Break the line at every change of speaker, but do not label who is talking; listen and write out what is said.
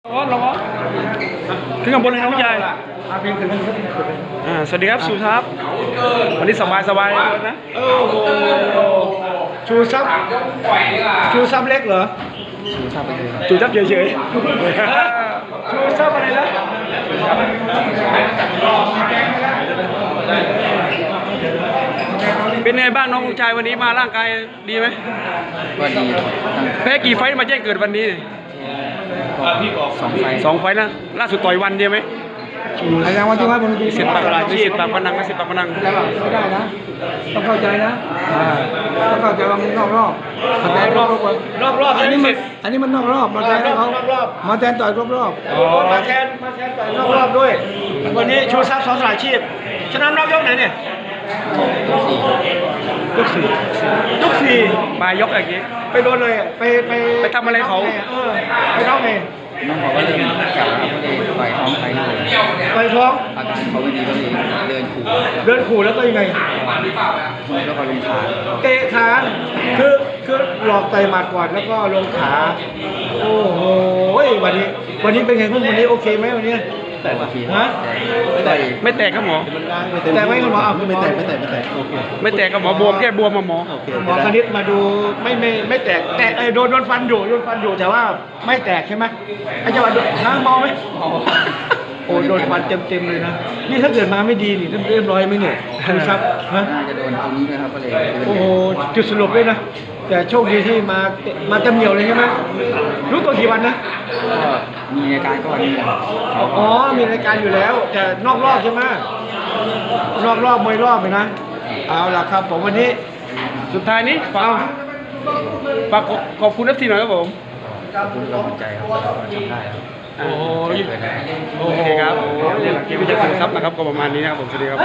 ร้อนขึ้นข้างบนเลยนะผู้ใหญ่สวัสดีครับสุทัพวันนี้สบายนะ
โอ้โหชูซับเล็กเหรอ
จูจับเฉย
ชูซับอะไรนะ
เป็นไงบ้างน้องชายวันนี้มาร่างกายดีไหม
ก็ดี
แพ้กี่ไฟต์มาแจ้งเกิดวันนี้สองไฟต์นะล่าสุดต่อยวันเดียวไหม
อะไรนะวันที่ว่าบน
มีสิทธิ์ปากพนังไม่ได้นะ
ต้องเข้าใจนะต้องเข้าใจว่ามึงนอกรอบอันนี้มันนอกรอบมาแทนเขามาแทนต่อยรอบมาแทนต่อยนอกรอบด้วยวันนี้ชูซับสองสายชีพชนะนอกยกไหนเนี่ยยกสี่
มายกอย่างนี้
ไปโดนเลย
ไปทำอะไรเขา
ไปท้องไง
น้องเขาก็เริ่มจับแล้วก็เลยต่อยท้องไปเลย
ไปท้อง
อาการเขาไม่ดีก็เลยเดิน
ขู่แล้วก็ยังไง
แล้วก็ลงขา
เตะขาคือหลอกไต่หมัดก่อนแล้วก็ลงขาโอ้โหวันนี้เป็นไงพวกวันนี้โอเคไหมวันนี้
แต่โอเค
ฮะ
ไม่แตกครับหมอ
แต่ไม่คุณหมอ
ไม่แตกโอเค
ไม่แตกครับหมอบวมแค่บวมมาหมอ
หมอคณิตมาดูไม่แตกโดนฟันอยู่แต่ว่าไม่แตกใช่ไหมไอ้จังหวะน้ำเมาไหมโอ้โดนฟันเต็มเลยนะนี่ถ้าเกิดมาไม่ดีนี่เรียบร้อยไหมเนี่ยครับ
น่าจะโดนตรงนี้นะครับก็เลย
โอ้โหจุดสรุปด้วยนะแต่โชคดีที่มาเต็มเหนียวเลยใช่ไหมรู้ตัวกี่วันนะ
ก็มีรายการก่อน
อ๋อมีรายการอยู่แล้วแต่นอกรอบใช่ไหมนอกรอบมวยรอบเลยนะเอาล่ะครับผมวันนี้
สุดท้ายนี้ฝากขอบคุณนักทีหน่อยครับผม
ขอบคุณกำลังใจครับทำได้ครับ
โอเคครับนี่แหละคลิปวิจารณ์ครับนะครับก็ประมาณนี้นะครับผมสวัสดีครับ